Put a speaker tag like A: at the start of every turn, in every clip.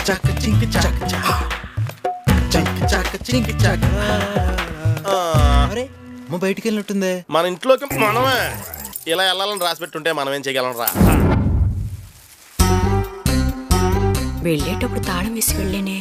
A: చాక చింకి చాక చింకి చాక చింకి చాక. అరే అమ్మ బయటికి వెళ్ళినట్టుందే.
B: మన ఇంట్లోకి మనమే ఇలా వెళ్ళాలని రాసి పెట్టుంటే మనం ఏం చేయగలం రా.
C: వెళ్ళేటప్పుడు తాళం వేసి వెళ్ళేనే.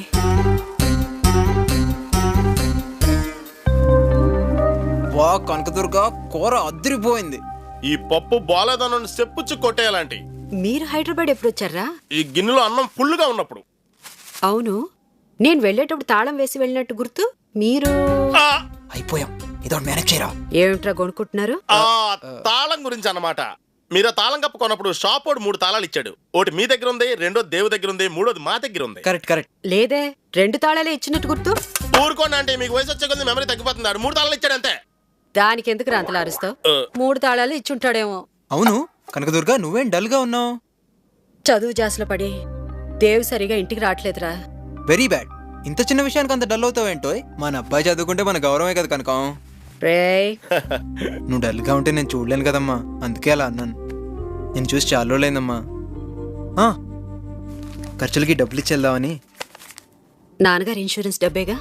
A: వా కనకదుర్గ కూర అదిరిపోయింది.
B: ఈ పప్పు బాలేదన్న చెప్పుచ్చు కొట్టేయాలంటి.
C: మీరు హైదరాబాద్ ఎప్పుడు వచ్చారా?
B: ఈ గిన్నెలో అన్నం ఫుల్గా ఉన్నప్పుడు.
C: అవును, నేను వెళ్ళేటప్పుడు తాళం వేసి వెళ్ళినట్టు గుర్తు. మీరు
A: అయిపోయాం, ఇదో మేనేజ్ చేయరా.
C: ఏమిట్రా కొనుక్కుంటున్నారు?
B: తాళం గురించి అన్నమాట. మీరు తాళం కప్పు కొన్నప్పుడు షాప్ వాడు 3 తాళాలు ఇచ్చాడు. ఒకటి మీ దగ్గర ఉంది, రెండోది దేవు దగ్గర ఉంది, మూడోది మా దగ్గర ఉంది.
A: Correct correct.
C: లేదే, 2 తాళాలే ఇచ్చినట్టు గుర్తు.
B: ఊరుకోండి అంటే మీకు వయసు వచ్చే కొద్ది మెమరీ తగ్గిపోతుంది. 3 తాళాలు ఇచ్చాడు అంతే.
C: దానికి ఎందుకు రాంతలు అరుస్తావు? 3 తాళాలు ఇచ్చుంటాడేమో.
A: అవును కనకదుర్గ, నువ్వేం డల్ గా ఉన్నావు?
C: చదువు జాసులో పడి దేవు సరిగా ఇంటికి రావట్లేదురా.
A: Very bad. ఇంత చిన్న విషయానికి అంత డల్ అవుతావేంటో? మన అబ్బాయి చదువుకుంటే మన గౌరవమే కదా కనకం.
C: రేయ్,
A: నువ్వు డల్ గా ఉంటే నేను చూడలేను కదమ్మా, అందుకే అలా అన్నాను. నేను చూసి చాలా రోజులైందమ్మా. ఖర్చులకి డబ్బులు ఇచ్చేద్దామని.
C: నాన్నగారు ఇన్సూరెన్స్ డబ్బేగా?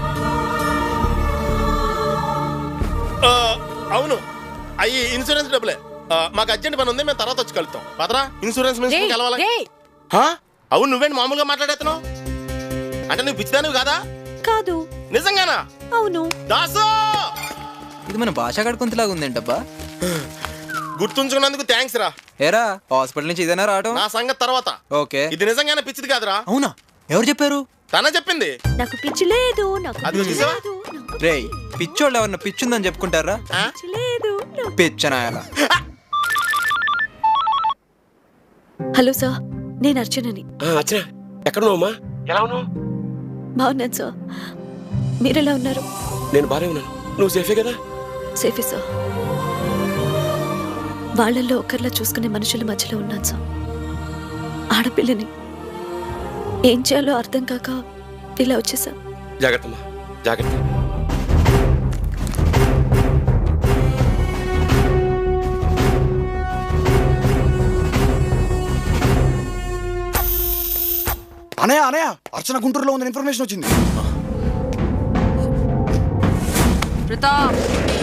B: అవును, అయ్యి ఇన్సూరెన్స్ డబ్బులే. మాకు అర్జెంట్ పని ఉంది, మేము తర్వాత వచ్చి కలుద్దాం. పదరా, ఇన్సూరెన్స్ మినిస్టర్ కలవాలి. అవును, నువ్వేంటి మామూలుగా మాట్లాడేస్తున్నావు? అంటే నువ్వు పిచ్చిదానివి కాదా?
C: కాదు.
B: నిజంగానా?
C: అవును.
B: దాసు,
A: ఇది మన భాష కడుకుంతలాగా ఉందేంటబ్బా.
B: గుర్తుంచుకున్నందుకు థ్యాంక్స్ రా.
A: ఏరా, హాస్పిటల్ నుంచి ఇదేనా రావడం?
B: నా సంగతి తర్వాత.
A: ఓకే.
B: ఇది నిజంగానే పిచ్చిది కాదురా.
A: అవునా? ఎవరు చెప్పారు?
B: తన చెప్పింది.
C: నాకు పిచ్చి లేదు.
B: అది చూసావా?
A: రేయ్, పిచ్చోళ్ళు ఎవరన్నా పిచ్చుందని చెప్పుకుంటారా? పిచ్చనాయాలా.
C: హలో సార్, నేను అర్చనని.
D: అర్చన, ఎక్కడున్నావమ్మా? ఎలా ఉన్నావు?
C: బాగున్నాను సార్, మీరెలా ఉన్నారు?
D: నేను బాగానే ఉన్నాను. నువ్వు సేఫే కదా?
C: సేఫే సార్. వాళ్ళల్లో ఒకరిలా చూసుకునే మనుషుల మధ్యలో ఉన్నాను సార్. ఆడపిల్లని ఏం చేయాలో అర్థం కాక ఇలా వచ్చేసా.
D: జాగ్రత్తమ్మా, జాగ్రత్త.
E: అనయ్య అనయ్య, అర్చన గుంటూరులో ఉందని ఇన్ఫర్మేషన్ వచ్చింది.
F: ప్రతాప్,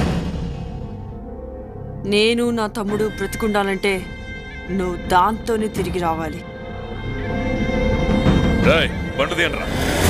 F: నేను నా తమ్ముడు బ్రతికుండాలంటే నువ్వు దాంతోనే తిరిగి రావాలి.
G: బండి తీయండిరా.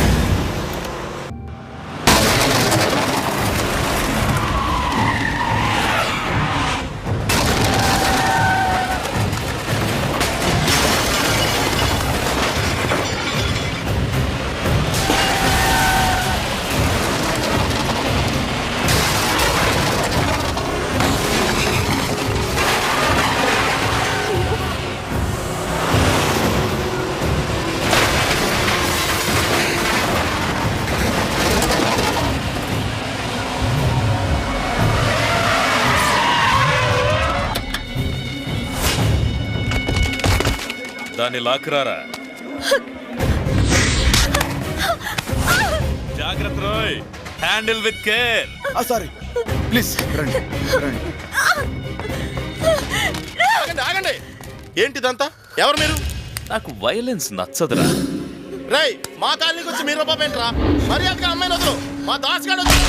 G: దాన్ని లాక్కురారా. జాగ్రత్త రోయ్, handle with care.
E: Sorry please రండి రండి.
B: ఆగండి. ఏంటిదంతా? ఎవరు మీరు?
G: నాకు వైలెన్స్ నచ్చదురా.
B: రేయ్, మా కాలనీకి వచ్చి మీరు రూపాయేంట్రా? మర్యాదగా అమ్మాయిని వద్దు. మా దాస్ గారు వచ్చి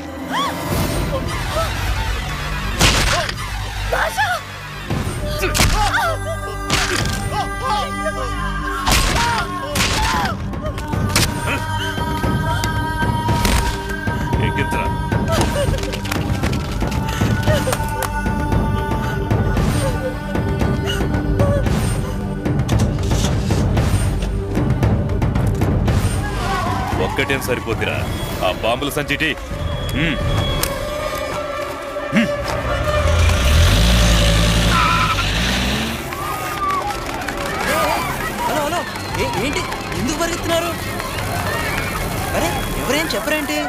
G: ఎక్కించరా. ఒక్కటేం సరిపోద్దిరా, ఆ బాంబుల సంచిటి.
A: హలో హలో, ఏంటి ఎందుకు పరిగెత్తున్నారు? అరే ఎవరేం చెప్పరేంటి?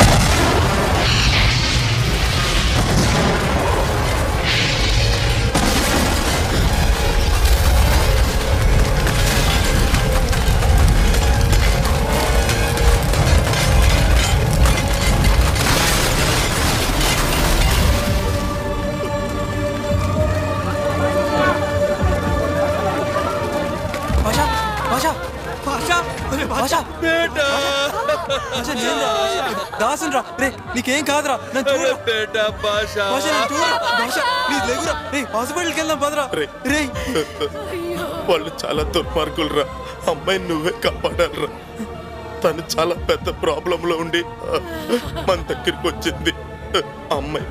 H: భాషా భాషా భాషా భాషా నేను దాసున్ రా రే నీకేం కాదురా నన్ను చూడరా భాషా నన్ను చూడరా భాషా ప్లీజ్ లేవురా రే హాస్పిటల్కి వెళ్దాం పదరా రే
B: వాళ్ళు చాలా దుర్మార్గులు రా. అమ్మాయిని నువ్వే కాపాడాలరా. తను చాలా పెద్ద ప్రాబ్లంలో ఉండి మన దగ్గరికి వచ్చింది. అమ్మాయి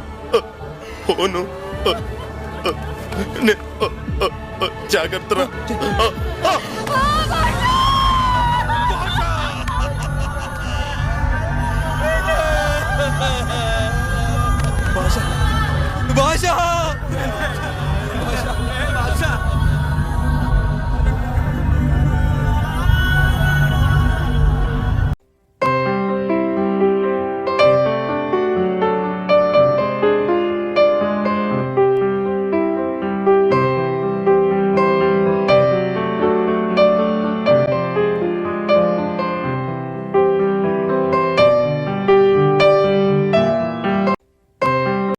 B: ఫోను జాగ్రత్త రా.